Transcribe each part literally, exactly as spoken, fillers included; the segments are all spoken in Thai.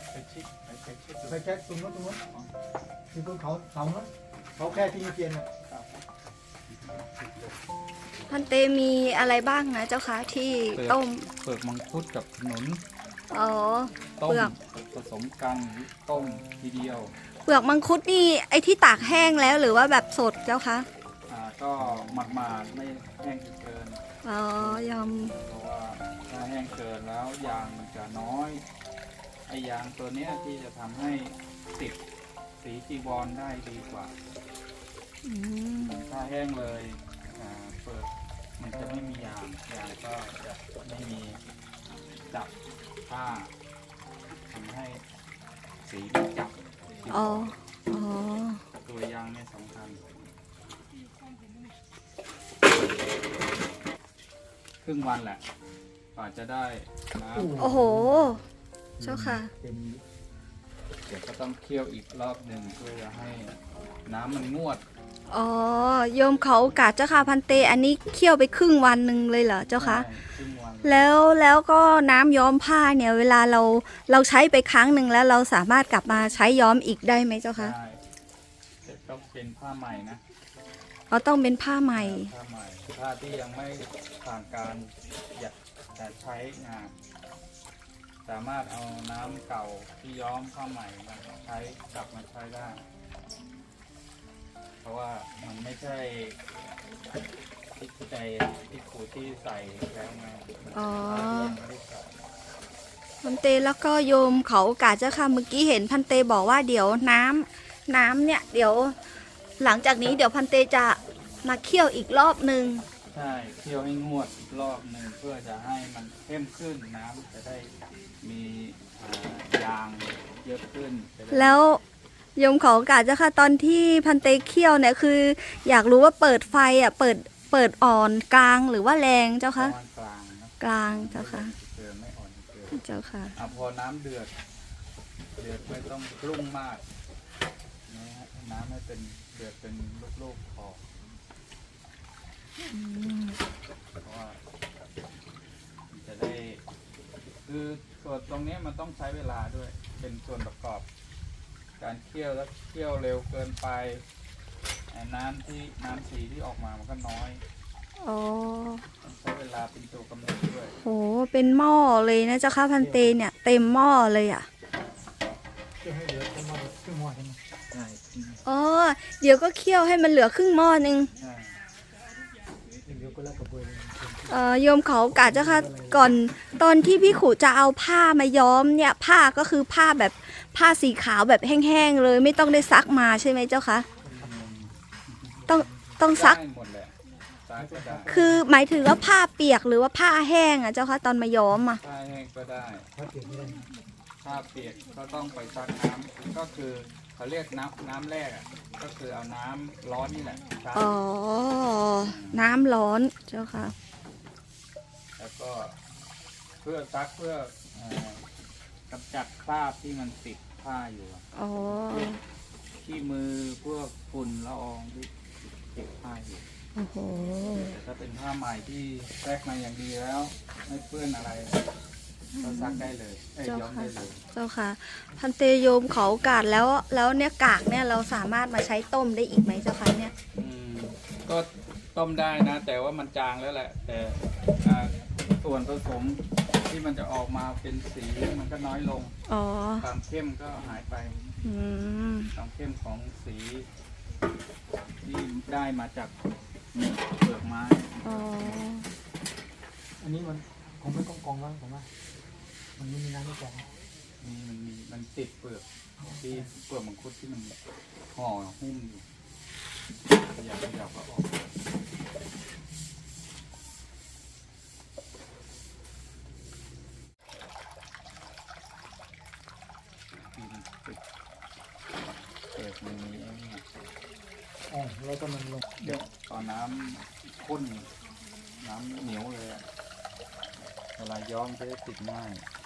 ไปชิดไปเช็คชิดไปแค่ตรงนู้นตรงนู้นที่ตรงเขาเสาเนาะเขาแค่ที่มีเทียนเนี่ยพันเตมีอะไรบ้างนะเจ้าคะที่ต้มเปลือกมังคุดกับขนุนอ๋อต้มเปลือกผสมกันต้มทีเดียวเปลือกมังคุดนี่ไอ้ที่ตากแห้งแล้วหรือว่าแบบสดเจ้าคะอ่าก็หมาดมาดไม่แห้งจนเกินอ๋อยอมเพราะว่าถ้าแห้งเกินแล้วยางมันจะน้อยไอยางตัวเนี้ยที่จะทำให้ติดสีจีวรได้ดีกว่าอืมถ้าแห้งเลยอ่าเปลือกมันจะไม่มียางยางก็จะไม่มีจับผ้าทำให้สีไม่จับจีวอ๋อรอ๋อตัวยางเนี่ยสำคัญครึ่งวันแหละกว่าจะได้น้ำโอ้โห เจ้าค่ะเต็มเดี๋ยวก็ต้องเคี่ยวอีกรอบหนึ่งเพื่อจะให้น้ำมันงวดอ๋อโยมเขากาดเจ้าค่ะพันเตอันนี้เคี่ยวไปครึ่งวันหนึ่งเลยเหรอเจ้าคะได้ครึ่งวันแล้วแล้วก็น้ำย้อมผ้าเนี่ยเวลาเราเราใช้ไปครั้งหนึ่งแล้วเราสามารถกลับมาใช้ย้อมอีกได้ไหมเจ้าคะได้แต่ต้องเป็นผ้าใหม่นะเราต้องเป็นผ้าใหม่ผ้าใหม่ผ้าที่ยังไม่ผ่านการหยัดแต่ใช้งาน สามารถเอาน้ำเก่าที่ย้อมผ้าใหม่มาใช้กลับมาใช้ได้ เพราะว่ามันไม่ใช่ที่ใจที่ขูดที่ใส่แล้วไงอ๋อผ้าที่ยังไม่ได้ใส่พันเตแล้วก็โยมเขากาดเจ้าค่ะเมื่อกี้เห็นพันเตบอกว่าเดี๋ยวน้ำน้ำเนี่ยเดี๋ยวหลังจากนี้เดี๋ยวพันเตจะมาเคี่ยวอีกรอบหนึ่งใช่เคี่ยวให้งวดรอบหนึ่งเพื่อจะให้มันเข้มขึ้นน้ำจะได้มีอ่ายางเยอะขึ้นจะได้แล้วโยมเขากาดเจ้าค่ะตอนที่พันเตเคี่ยวเนี่ยคือ อยากรู้ว่าเปิดไฟอ่ะเปิดเปิดอ่อนกลางหรือว่าแรงเจ้าคะประมาณกลางนะกลางเจ้าค่ะเกินไม่อ่อนเกินเจ้าค่ะอ่ะพอน้ำเดือด เดือดไม่ต้องกรุ่งมากนะฮะน้ำให้เป็นเดือดเป็นลูกๆพอเพราะว่ามันจะได้คือส่วนตรงนี้มันต้องใช้เวลาด้วย เป็นส่วนประกอบ การเคี่ยวแล้วเคี่ยวเร็วเกินไปไอ้น้ำที่น้ำสีที่ออกมามันก็น้อยอ๋อต้องใช้เวลาเป็นตัวกำหนดด้วยโหเป็นหม้อเลยนะเจ้าค่ะพันเตเนี่ยเต็มหม้อเลยอ่ะเพื่อให้เหลือประมาณครึ่งหม้อใช่ไหมใช่อ๋อเดี๋ยวก็เคี่ยวให้มันเหลือครึ่งหม้อนึงใช่เดี๋ยวก็แล้วกระบวยเลยเอ่อโยมเขากาดเจ้าค่ะก่อนตอนที่พี่ขู่จะเอาผ้ามาย้อมเนี่ยผ้าก็คือผ้าแบบผ้าสีขาวแบบแห้งๆเลยไม่ต้องได้ซักมาใช่ไหมเจ้าคะต้องต้องซักได้หมดแหละซักก็ได้คือหมายถึงว่าผ้าเปียกหรือว่าผ้าแห้งอ่ะเจ้าคะตอนมาย้อมอ่ะผ้าแห้งก็ได้ถ้าเก็บไม่ได้ถ้าเปียกก็ต้องไปซักน้ำก็คือเขาเรียกน้ำน้ำแรกอ่ะก็คือเอาน้ำร้อนนี่แหละซักอ๋อน้ำร้อนเจ้าค่ะแล้วก็เพื่อซักเพื่อเอ่อกำจัดคราบที่มันติดผ้าอยู่อะอ๋อที่มือพวกฝุ่นละอองที่ติดผ้าอยู่โอ้โหแต่ถ้าเป็นผ้าใหม่ที่แรกมาอย่างดีแล้ว ไม่เปื้อนอะไรก็ซักได้เลยเอ้ยเจ้าย้อมค่ะได้เลยเจ้าค่ะ พันเตโยมเขากาดแล้วแล้วเนี่ยกากเนี่ยเราสามารถมาใช้ต้มได้อีกไหมเจ้าคะเนี่ยอืมก็ต้มได้นะ แต่ว่ามันจางแล้วแหละ แต่อ่าส่วนผสมที่มันจะออกมาเป็นสีมันก็น้อยลงอ๋อความเข้มก็หายไปอืมความเข้มของสีที่ได้มาจากเปลือกไม้อ๋ออันนี้มันคงไม่กองกองแล้วผมว่ามันไม่มีน้ำไม่แข็งนี่มันมีมันติดเปลือกที่เปลือกมังคุดที่มันห่อหุ้มอยู่ขยับขยับก็ออกปีนติดเปลือกมันมีไอ้นี่อ๋อแล้วก็มันลงเดี๋ยวตอนน้ำข้นน้ำเหนียวเลยอะเวลาย้อมจะได้ติดง่าย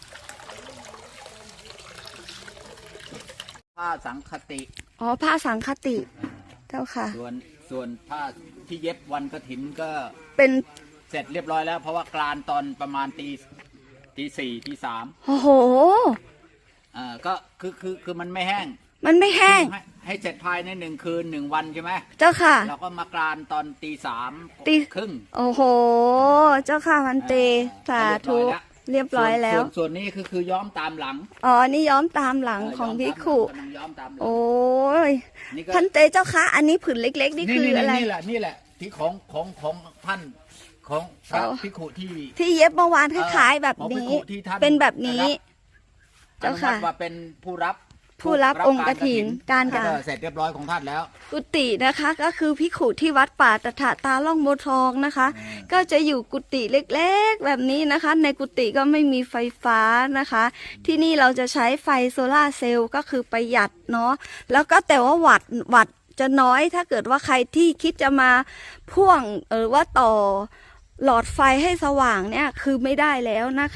ผ้าสังคติอ๋อผ้าสังคติเจ้าค่ะส่วนส่วนผ้าที่เย็บวันกฐินก็เป็นเสร็จเรียบร้อยแล้ว เพราะว่ากลานตอนประมาณตีตีสี่ตีสามโอ้โหอ่าก็คือคือคือมันไม่แห้งมันไม่แห้งให้ให้เสร็จภายในหนึ่งคืนหนึ่งวันใช่ไหมเจ้าค่ะเราก็มากรานตอนตีสามตีครึ่งโอ้โห เจ้าค่ะพันเตสาธุเรียบร้อยแล้วส่นส่วนนี้คือคือย้อมตามหลังอ๋อ นี่ย้อมตามหลังของพิกขุกำลังย้อมตามหลังโอ้ยนี่ก็พันเตเจ้าค่ะ อันนี้ผืนเล็กๆ นี่คืออะไรนี่แหละนี่แหละที่ของของของท่านของพระอ๋อภิกขุที่ที่เย็บเมื่อวานคล้ายๆแบบของภิกนี้ขุที่ท่านเป็นแบบนี้ได้รับเจ้าค่ะอนุมัติว่าเป็นผู้รับผู้รับองค์กฐินการกฐินเสร็จเรียบร้อยของท่านแล้วกุฏินะคะก็คือพิกขุที่วัดป่าตถาตาล่องโบวทองนะคะ ก็จะอยู่กุฏิเล็กๆแบบนี้นะคะ ในกุฏิก็ไม่มีไฟฟ้านะคะ ที่นี่เราจะใช้ไฟโซลาร์เซลล์ก็คือประหยัดเนาะแล้วก็แต่ว่าวัดวัดจะน้อยถ้าเกิดว่าใครที่คิดจะมาพ่วงเออว่าต่อหลอดไฟให้สว่างเนี่ยคือไม่ได้แล้วนะคะ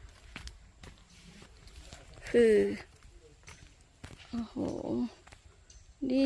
คือโอ้โห นี่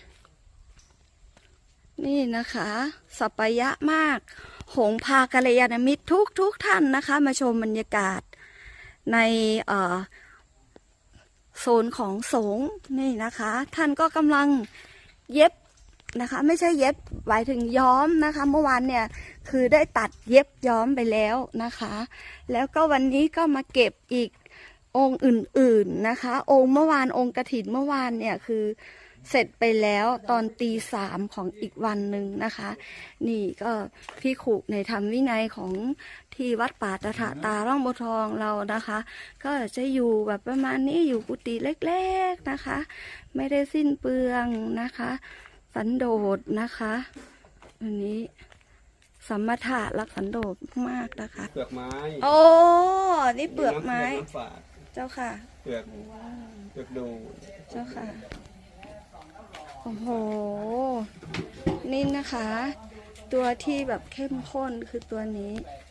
นี่นะคะ สัปยะมาก หงพากัลยาณมิตรทุกทุกท่านนะคะ มาชมบรรยากาศในเอ่อโซนของสงฆ์นี่นะคะ ท่านก็กำลังเย็บนะคะ ไม่ใช่เย็บหมายถึงย้อมนะคะ เมื่อวานเนี่ยคือได้ตัดเย็บย้อมไปแล้วนะคะ แล้วก็วันนี้ก็มาเก็บอีกองค์อื่นๆนะคะ องค์เมื่อวานองค์กฐินเมื่อวานเนี่ยคือเสร็จไปแล้วตอนตีสามของอีกวันหนึ่งนะคะ นี่ก็พี่ขุในธรรมวินัยของที่วัดป่าตถาตาร่องโบวทองเรานะคะ ก็จะอยู่แบบประมาณนี้อยู่กุฏิเล็กๆนะคะ ไม่ได้สิ้นเปลืองนะคะ สันโดษนะคะอันนี้สัมมาทะรักสันโดษมากนะคะเปลือกไม้โอ้นี่เปลือกไม้น้ำฝาดเจ้าค่ะเปลือกเปลือกดูเจ้าค่ะ โอ้โห นี่นะคะ ตัวที่แบบเข้มข้นคือตัวนี้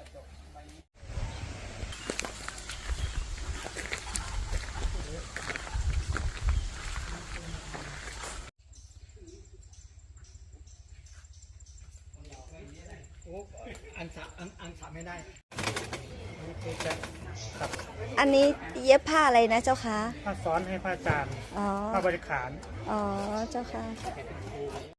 อันสะอันอันสะไม่ได้อันนี้เย็บผ้าอะไรนะเจ้าคะผ้าซ้อนให้ผ้าจานอ๋อผ้าบริขารอ๋อ เจ้าค่ะ